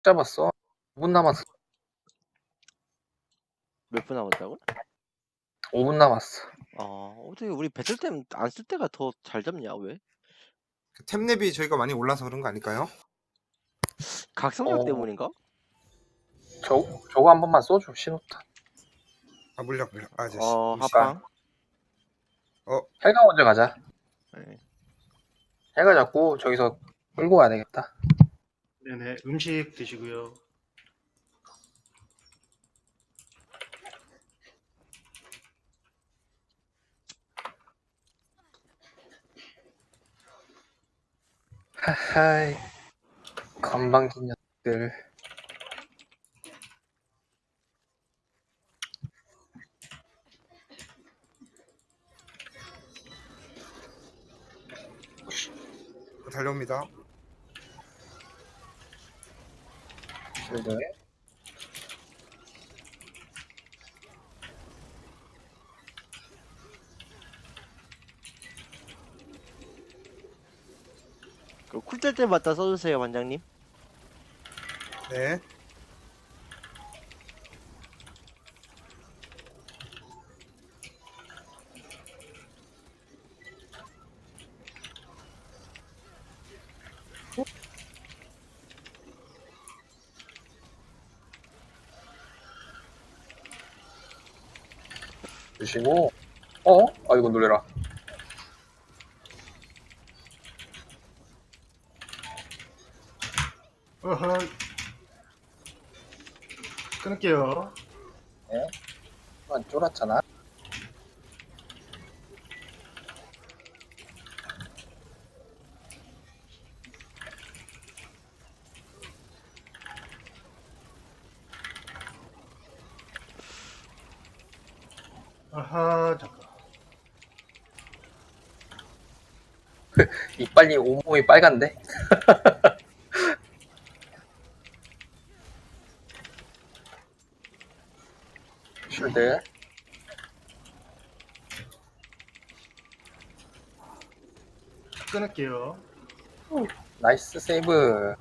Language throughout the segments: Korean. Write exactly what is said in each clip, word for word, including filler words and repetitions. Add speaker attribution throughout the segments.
Speaker 1: 잡았어. 오 분 남았어.
Speaker 2: 몇 분 남았다고?
Speaker 1: 오 분 남았어.
Speaker 2: 어, 어떻게 우리 배틀템 안 쓸 때가 더 잘 잡냐, 왜?
Speaker 3: 템랩이 저희가 많이 올라서 그런 거 아닐까요?
Speaker 2: 각성력
Speaker 1: 어.
Speaker 2: 때문인가?
Speaker 1: 저, 저거 한 번만 써줘, 신호탄.
Speaker 3: 아 물약 물약 아저씨.
Speaker 2: 어,
Speaker 3: 루시.
Speaker 2: 합방.
Speaker 1: 헬가 먼저 가자.
Speaker 2: 네.
Speaker 1: 헬가 잡고 저기서 끌고 가야 되겠다.
Speaker 4: 네네, 음식 드시고요.
Speaker 1: 하하이. 건방진 녀석들.
Speaker 3: 달려옵니다.
Speaker 1: 실드.
Speaker 2: 그 쿨때 때마다 써주세요, 원장님.
Speaker 3: 네.
Speaker 1: 주시고. 어? 아이고, 놀래라.
Speaker 4: 어허. 끊을게요.
Speaker 1: 안 쫄았잖아.
Speaker 4: 아하, 잠깐.
Speaker 1: 이빨이 온몸이 빨간데? 쉴드.
Speaker 4: 끊을게요.
Speaker 1: 나이스 세이브.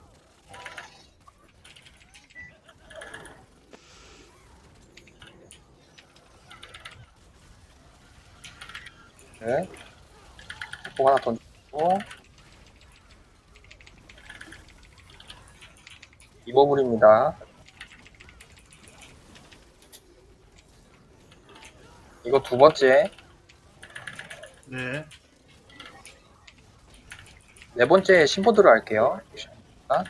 Speaker 1: 네. 꼭 하나 던지고. 이버블입니다. 이거 두 번째.
Speaker 4: 네.
Speaker 1: 네 번째 심포드로 할게요. 아?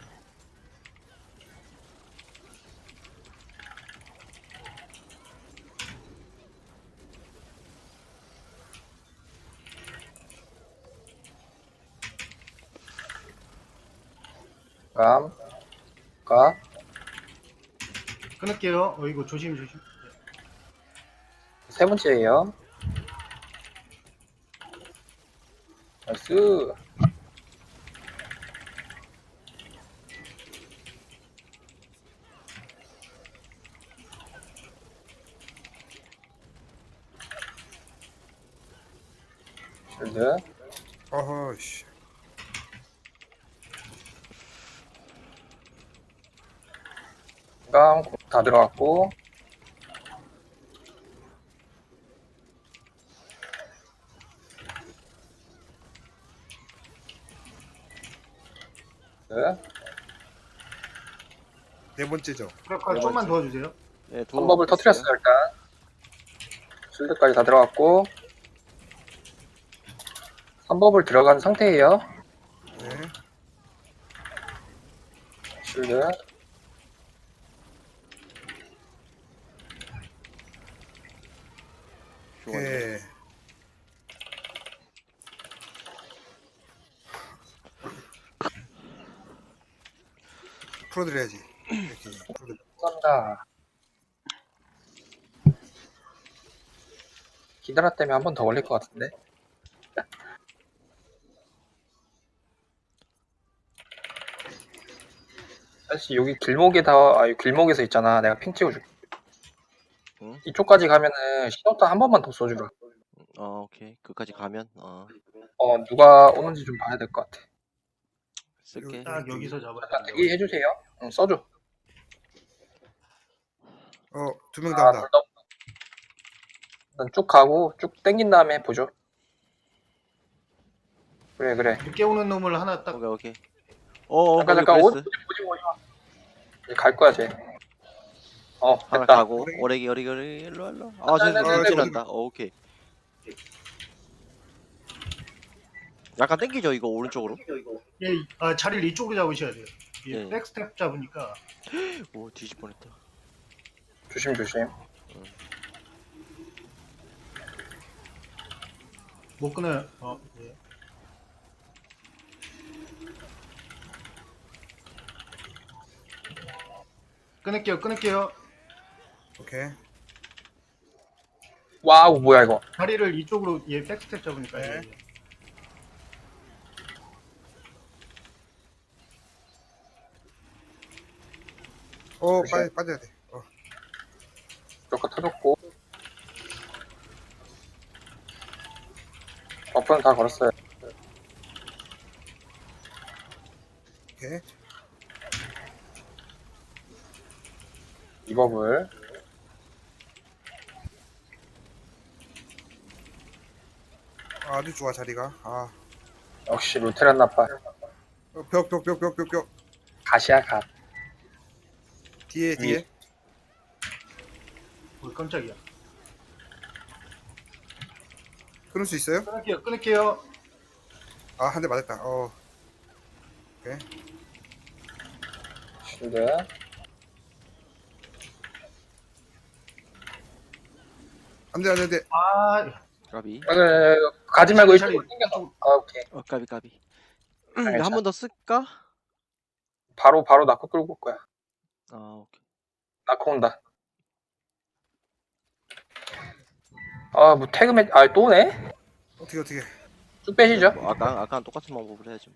Speaker 1: 감, 가,
Speaker 4: 끊을게요. 어이구, 조심, 조심.
Speaker 1: 세 번째예요. 나이스. 쉴드.
Speaker 3: 어허 씨.
Speaker 1: 감, 다 들어갔고. 네.
Speaker 3: 네 번째죠.
Speaker 4: 그럴까
Speaker 1: 네
Speaker 4: 좀만
Speaker 1: 번째.
Speaker 4: 도와주세요.
Speaker 2: 네,
Speaker 1: 한 법을 터트렸어요, 일단. 쉴드까지 다 들어갔고. 삼 법을 들어간 상태예요.
Speaker 3: 네.
Speaker 1: 쉴드.
Speaker 3: 오케이. 풀어드려야지. 이렇게 풀어드려.
Speaker 1: 감사합니다. 기다렸 때문에 한 번 더 걸릴 것 같은데. 사실 여기 길목에다, 아, 이 길목에서 있잖아. 내가 핑 찍어줄게.
Speaker 2: 응?
Speaker 1: 이쪽까지 가면은 신호탄 한 번만 더 써주라.
Speaker 2: 어, 오케이. 그까지 가면, 어,
Speaker 1: 어, 누가 오는지 좀 봐야 될 것 같아.
Speaker 2: 쓸게.
Speaker 4: 딱 여기서 잡아야
Speaker 1: 잠깐
Speaker 4: 돼요.
Speaker 1: 대기해주세요. 응, 써줘.
Speaker 3: 어, 두 명
Speaker 1: 아,
Speaker 3: 다 온다.
Speaker 1: 둘다 일단 쭉 가고 쭉 땡긴 다음에 해보죠. 그래 그래.
Speaker 4: 늦게 오는 놈을 하나 딱
Speaker 2: 오케이 오케이. 어어
Speaker 1: 잠깐
Speaker 2: 거기
Speaker 1: 잠깐 오,
Speaker 2: 브레스
Speaker 1: 보지 보지 마. 이제 갈 거야 쟤. 어
Speaker 2: 하나
Speaker 1: 됐다.
Speaker 2: 가고 오래기 오래기 오래기 일로 와, 일로 와. 아 쟤
Speaker 1: 네,
Speaker 3: 네, 네,
Speaker 2: 지난다. 어 오케이. 약간 땡기죠 이거 오른쪽으로.
Speaker 4: 예, 아, 자리를 이쪽으로 잡으셔야 돼요. 예,
Speaker 2: 예.
Speaker 4: 백스텝 잡으니까
Speaker 2: 오 뒤질 뻔했다.
Speaker 1: 조심 조심.
Speaker 4: 못 끊어요. 어, 예. 끊을게요, 끊을게요.
Speaker 3: 오케이.
Speaker 1: 와우 뭐야 이거.
Speaker 4: 다리를 이쪽으로 예 백스텝 잡으니까
Speaker 3: 네.
Speaker 4: 예, 예.
Speaker 3: 어,
Speaker 1: 조심.
Speaker 3: 빨리 빠져야 돼. 어,
Speaker 1: 조금 터졌고. 버프는 다 걸었어요.
Speaker 3: 오케이.
Speaker 1: 이 법을
Speaker 3: 아주 좋아 자리가. 아,
Speaker 1: 역시 루테란 나빠.
Speaker 3: 어, 벽, 벽, 벽, 벽, 벽, 벽.
Speaker 1: 가시야 가.
Speaker 3: 뒤에, 뒤에.
Speaker 4: 어, 깜짝이야.
Speaker 3: 끊을 수 있어요?
Speaker 4: 끊을게요, 끊을게요.
Speaker 3: 아, 한 대 맞았다. 어,
Speaker 1: 실드.
Speaker 3: 안 돼, 안 돼, 안 돼.
Speaker 4: 아,
Speaker 2: 까비.
Speaker 1: 아, 그래, 가지 말고
Speaker 4: 자리,
Speaker 1: 이쪽으로 당겨서. 아 오케이.
Speaker 2: 어 까비 까비.
Speaker 1: 괜찮아.
Speaker 2: 한 번 더 쓸까?
Speaker 1: 바로 바로 나코 끌고 올 거야.
Speaker 2: 아 오케이.
Speaker 1: 나코 온다. 아뭐 태그 매. 아 또네?
Speaker 3: 어떻게, 어떻게.
Speaker 1: 쭉 빼시죠.
Speaker 2: 뭐 아까 아까랑 똑같은 방법을 해야지.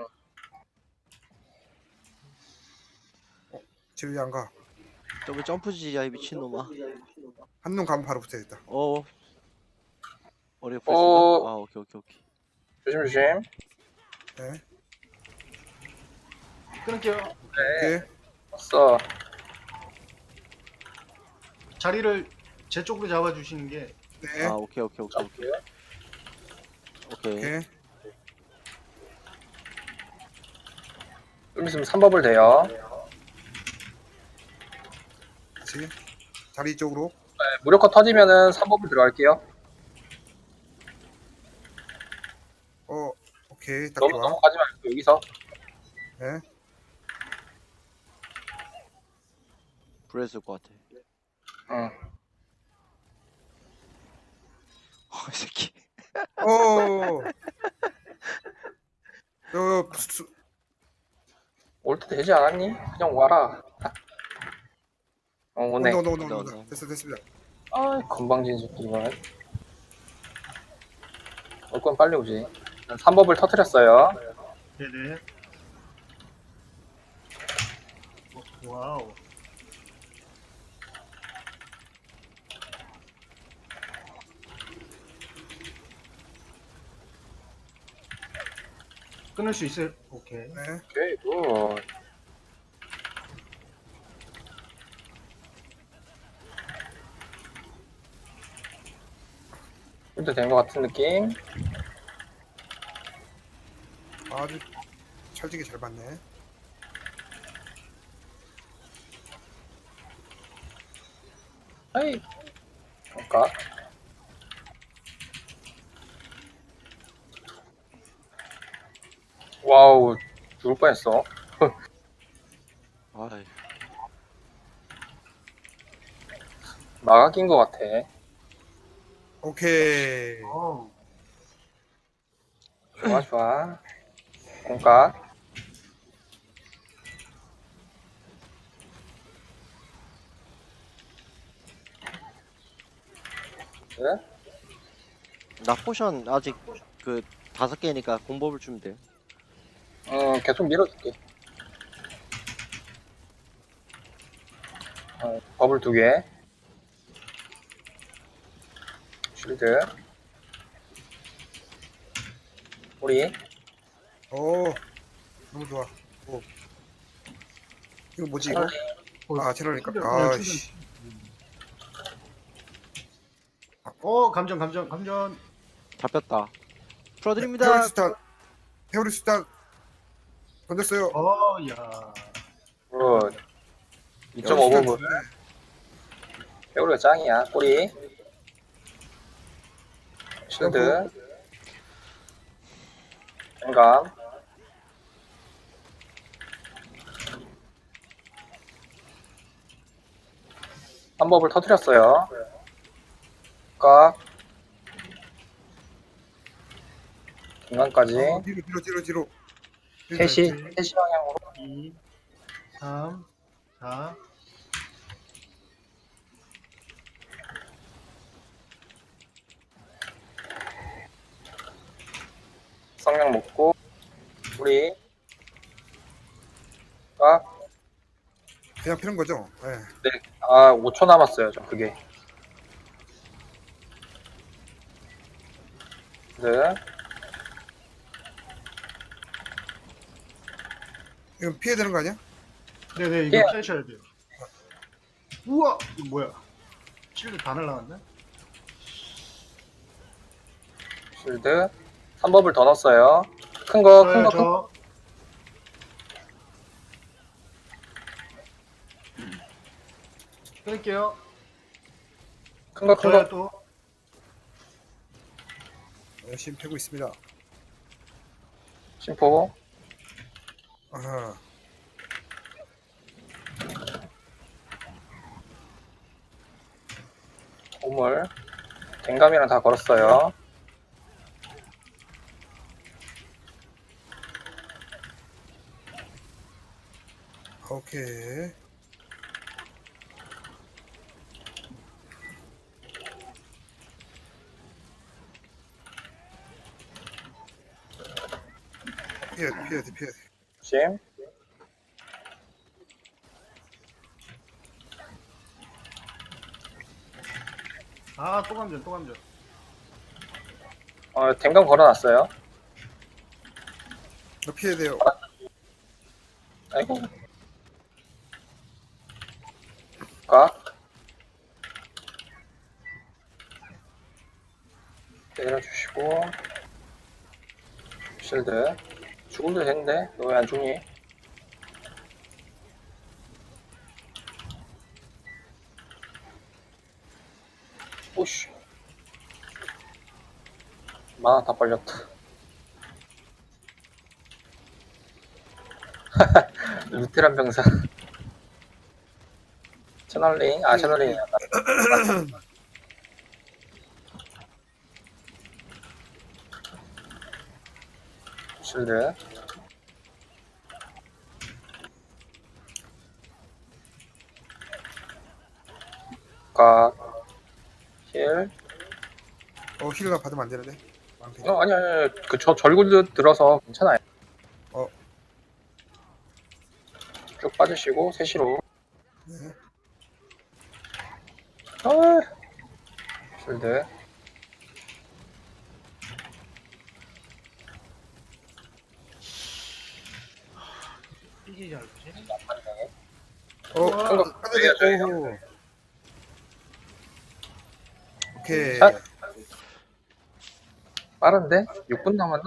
Speaker 3: 쟤 왜 안 가?
Speaker 2: 저기 점프지야 이 미친놈아.
Speaker 3: 한 놈 가면 바로 붙어야겠다.
Speaker 2: 어. 어려 프레스인가?
Speaker 1: 어.
Speaker 2: 아 오케이 오케이 오케이.
Speaker 1: 조심 조심.
Speaker 3: 네.
Speaker 4: 끊을게요.
Speaker 1: 네.
Speaker 3: 오케이.
Speaker 1: 왔어.
Speaker 4: 자리를 제 쪽으로 잡아주시는 게
Speaker 3: 네.
Speaker 2: 아 오케이 오케이 오케이 오케이. 오케이.
Speaker 3: 오케이.
Speaker 1: 좀 있으면 삼 법을 돼요.
Speaker 3: 그렇지. 자리 쪽으로.
Speaker 1: 네, 무력화 터지면은 삼 법을 들어갈게요.
Speaker 3: 어, 오케이. 딱
Speaker 1: 너무
Speaker 3: 좋아.
Speaker 1: 넘어가지 말고 여기서.
Speaker 3: 네.
Speaker 2: 브레스일 것 같아.
Speaker 1: 응.
Speaker 2: 어, 이 새끼.
Speaker 3: 어. 어, 수,
Speaker 1: 올 때 되지 않았니? 그냥 와라. 어 오네.
Speaker 3: 온다, 온다, 온다,
Speaker 2: 온다,
Speaker 3: 온다.
Speaker 2: 온다.
Speaker 3: 됐어, 됐습니다.
Speaker 1: 아 건방진 새끼 이건. 올 건 빨리 오지. 삼 법을 터뜨렸어요.
Speaker 4: 네네. 어, 와우. 끊을 수 있어요. 오케이.
Speaker 3: 네.
Speaker 1: 오케이 굿. 이제 된 것 같은 느낌.
Speaker 3: 아주 찰지게 잘 봤네.
Speaker 1: 아이. 그러니까. 와우 죽을 뻔했어.
Speaker 2: 아이.
Speaker 1: 마가 낀 것 같아.
Speaker 3: 오케이.
Speaker 4: 어우.
Speaker 1: 좋아 좋아. 공각. 네?
Speaker 2: 나 포션 아직 그 다섯 개니까 공법을 주면 돼.
Speaker 1: 음 계속 밀어줄게. 어, 버블 두 개. 쉴드. 우리
Speaker 3: 오, 너무 좋아. 오. 이거 뭐지 이거?
Speaker 4: 어,
Speaker 3: 아, 채널이니까.
Speaker 4: 충전, 그냥
Speaker 3: 아,
Speaker 4: 충전.
Speaker 3: 씨.
Speaker 4: 어 감전 감전 감전.
Speaker 2: 잡혔다. 풀어드립니다.
Speaker 3: 페어리 스타. 페어리 스타. 던졌어요.
Speaker 4: 어야.
Speaker 1: 굿. 이 점 오 부분.
Speaker 3: 네.
Speaker 1: 페어리가 짱이야. 꼬리. 실드. 공감. 한 법을 터뜨렸어요. 각. 중간까지.
Speaker 3: 어, 뒤로 뒤로 뒤로 뒤로.
Speaker 1: 셋이, 셋이 방향으로.
Speaker 4: 이, 삼, 사.
Speaker 1: 성냥 먹고. 우리. 각.
Speaker 3: 그냥 피는 거죠? 네.
Speaker 1: 네. 아, 오 초 남았어요, 저 그게. 네.
Speaker 3: 이건 피해야 되는 거 아니야?
Speaker 4: 네네 이거
Speaker 1: 예.
Speaker 4: 피하셔야 돼요. 우와 이거 뭐야? 실드 다 날라갔네.
Speaker 1: 실드. 삼 법을 더 넣었어요. 큰 거, 큰
Speaker 4: 저요
Speaker 1: 거, 큰 거.
Speaker 4: 저. 끊을게요.
Speaker 1: 큰 거, 큰
Speaker 4: 저요
Speaker 1: 거.
Speaker 4: 또.
Speaker 3: 열심히 패고 있습니다.
Speaker 1: 심포.
Speaker 3: 아하.
Speaker 1: 보물. 댕감이랑 다 걸었어요.
Speaker 3: 오케이. 피해야 돼, 피해야 돼, 피해야 돼.
Speaker 1: 조심.
Speaker 4: 아또 감전 또 감전.
Speaker 1: 어, 댕감 걸어놨어요.
Speaker 3: 이거 피해야 돼요.
Speaker 1: 아이고. 각. 때려주시고. 실드. 죽음도 됐는데? 너 왜 안 죽니? 오씨. 만화 다 빨렸다. 루테란 병사. 채널링, 아, 채널링이야. 실드. 각. 힐.
Speaker 3: 어, 힐가 받으면 안 되는데. 망패.
Speaker 1: 어, 아니, 아니, 아니. 그, 저, 절굴 들어서 괜찮아요.
Speaker 3: 어.
Speaker 1: 쭉 빠지시고, 세시로.
Speaker 3: 네.
Speaker 1: 아, 실드.
Speaker 4: 이게 잘지.
Speaker 3: 어,
Speaker 4: 와.
Speaker 1: 큰 거,
Speaker 3: 하늘에, 오. 오케이.
Speaker 1: 샷. 빠른데? 육 분 남았나?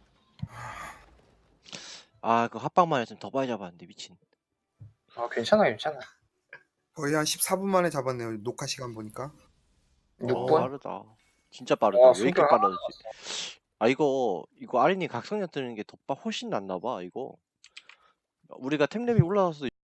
Speaker 2: 아, 그 합방만 했으면 더 많이 잡았는데 미친.
Speaker 1: 아, 괜찮아, 괜찮아.
Speaker 3: 거의 한 십사 분 만에 잡았네요. 녹화 시간 보니까.
Speaker 1: 육
Speaker 2: 어,
Speaker 1: 분?
Speaker 2: 빠르다. 진짜 빠르다.
Speaker 1: 와,
Speaker 2: 왜 이렇게
Speaker 1: 순간
Speaker 2: 빠르지? 아 이거 이거 아린이 각성력 뜨는 게 더 빠- 훨씬 낫나 봐 이거. 우리가 템랩이 올라와서